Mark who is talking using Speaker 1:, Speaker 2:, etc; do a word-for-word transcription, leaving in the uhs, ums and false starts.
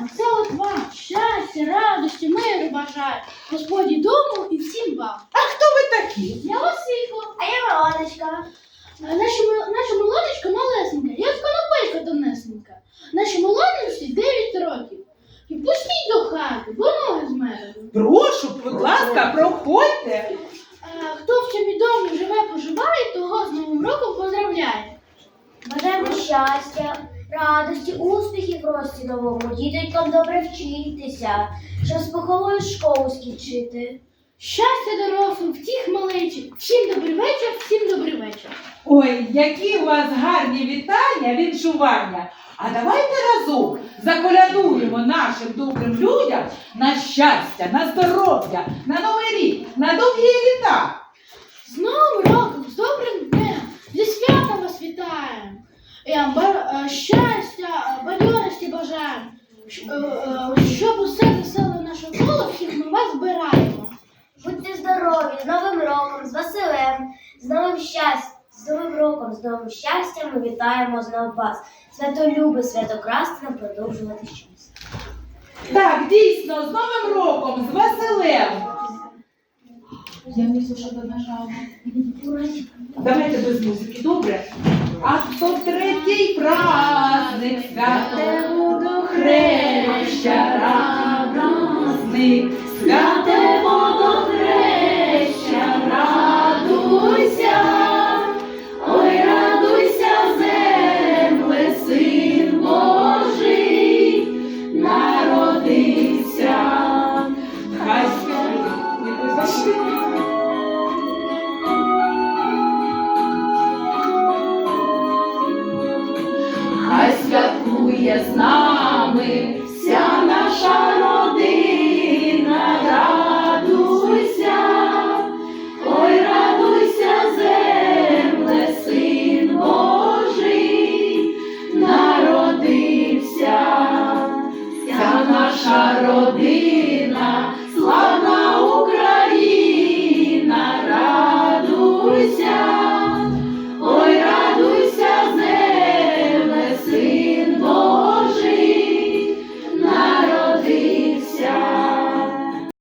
Speaker 1: Це от вам щастя, радості, миру бажаю. Господі дому і всім вам.
Speaker 2: А хто ви такі?
Speaker 1: Я Василько.
Speaker 3: А я Милоночка.
Speaker 1: А Наша, м- наша Милоночка малесенька, як конопелька тонесенька. Нашій Милоночці дев'ять років. І пустіть до хати, бо ноги змерзли.
Speaker 2: Прошу, будь ласка, проходьте.
Speaker 1: А, хто в цьому домі живе, поживає, того з Новим роком поздравляє.
Speaker 3: Бажаємо щастя, радості, успіхів в рості новому, діточкам добре вчитися, щоб з поховою школу скінчити.
Speaker 1: Щастя дорослим, втіх малечі. Всім добрий вечір, всім добрий вечір.
Speaker 2: Ой, які у вас гарні вітання, віншування. А давайте разом заколядуємо нашим добрим людям на щастя, на здоров'я, на новий рік, на довгі літа.
Speaker 1: З Новим роком, з добрим днем, зі святом вас вітаємо. Я ба- е, щастя, е, бадьорості бажаємо. Щ- е, е, Щоб усе веселе наше коло, всіх ми вас збираємо.
Speaker 3: Будьте здорові, з Новим роком, з Василем, з новим щастям, з Новим роком, з новим щастям ми вітаємо знову вас. Святолюби, святокрасти нам продовжувати щастя.
Speaker 2: Так, дійсно, з Новим роком, з Василем. Я не слушаю нажала. Давайте без музики, добре? А хто третій праздник, святе водохреща, радосник, святе водохреща, радуйся, ой, радуйся, земле, Син Божий народився. Хай Хай святкує з нами вся наша родина, радуйся, ой, радуйся, земле, Син Божий народився, вся наша родина.